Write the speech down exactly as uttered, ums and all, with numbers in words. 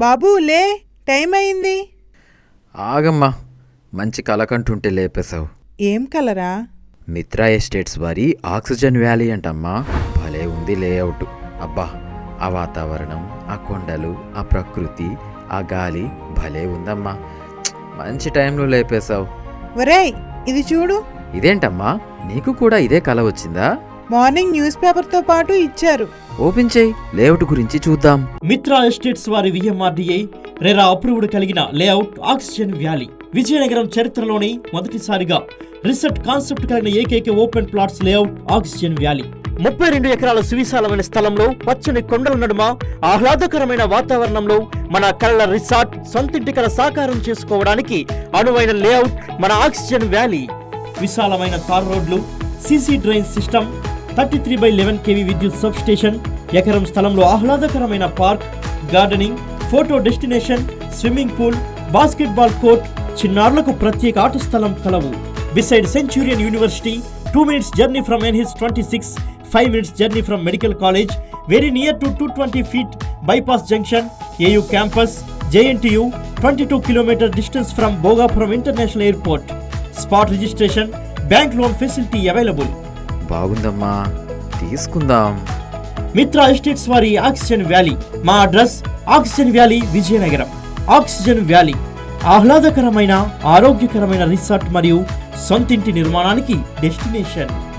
బాబు లే, టైం అయింది. ఆగమ్మా, మంచి కలకంటుంటే లేపేశావు. ఏం కలరా? మిత్రా ఎస్టేట్స్ వారి ఆక్సిజన్ వ్యాలీ అంటమ్మా. భలే ఉంది లేఅవుట్. అబ్బా, ఆ వాతావరణం, ఆ కొండలు, ఆ ప్రకృతి, ఆ గాలి భలే ఉందమ్మా. మంచి టైంలో లేపేశావు. ఒరేయ్, ఇది చూడు. ఇదేంటమ్మా, నీకు కూడా ఇదే కల వచ్చిందా? మార్నింగ్ న్యూస్ పేపర్తో పాటు ఇచ్చారు. ఓపెన్ చేయి, లేఅవుట్ గురించి చూద్దాం. మిత్రా ఎస్టేట్స్ వారి విఎంఆర్డీఏ రెరా అప్రూవ్డ్ కలిగిన లేఅవుట్ ఆక్సిజన్ వ్యాలీ. విజయనగరం చరిత్రలోనే మొదటిసారిగా రిసార్ట్ కాన్సెప్ట్ కలిగిన ఏకైక open plots layout oxygen valley. ముప్పై రెండు ఎకరాల సువిశాలమైన స్థలంలో పచ్చని కొండల నడుమ ఆహ్లాదకరమైన వాతావరణంలో మన కళల రిసార్ట్ సొంతింటి కల సాకారం చేసుకోవడానికి అనువైన లేఅవుట్ మన ఆక్సిజన్ వ్యాలీ. విశాలమైన తార్ రోడ్లు, CC drain system, thirty three by eleven KV విద్యుత్ సబ్ స్టేషన్, ఎకరం స్థలంలో ఆహ్లాదకరమైన park, gardening, photo destination, swimming pool, basketball court, చిన్నారులకు ప్రత్యేక ఆట స్థలం కలవు. Beside Centurion university, two minutes journey from NH twenty six, five minutes journey from medical college, very near to two twenty feet bypass junction, AU campus, JNTU, twenty two kilometer distance from Bhogapuram international airport. Spot registration, bank loan facility available. బాగుందమ్మా, తీసుకుందాం. Mitra estates వారి oxygen valley. మా address oxygen valley, Vizianagaram. Oxygen valley ఆహ్లాదకరమైన ఆరోగ్యకరమైన resort మరియు సొంతింటి నిర్మాణానికి destination.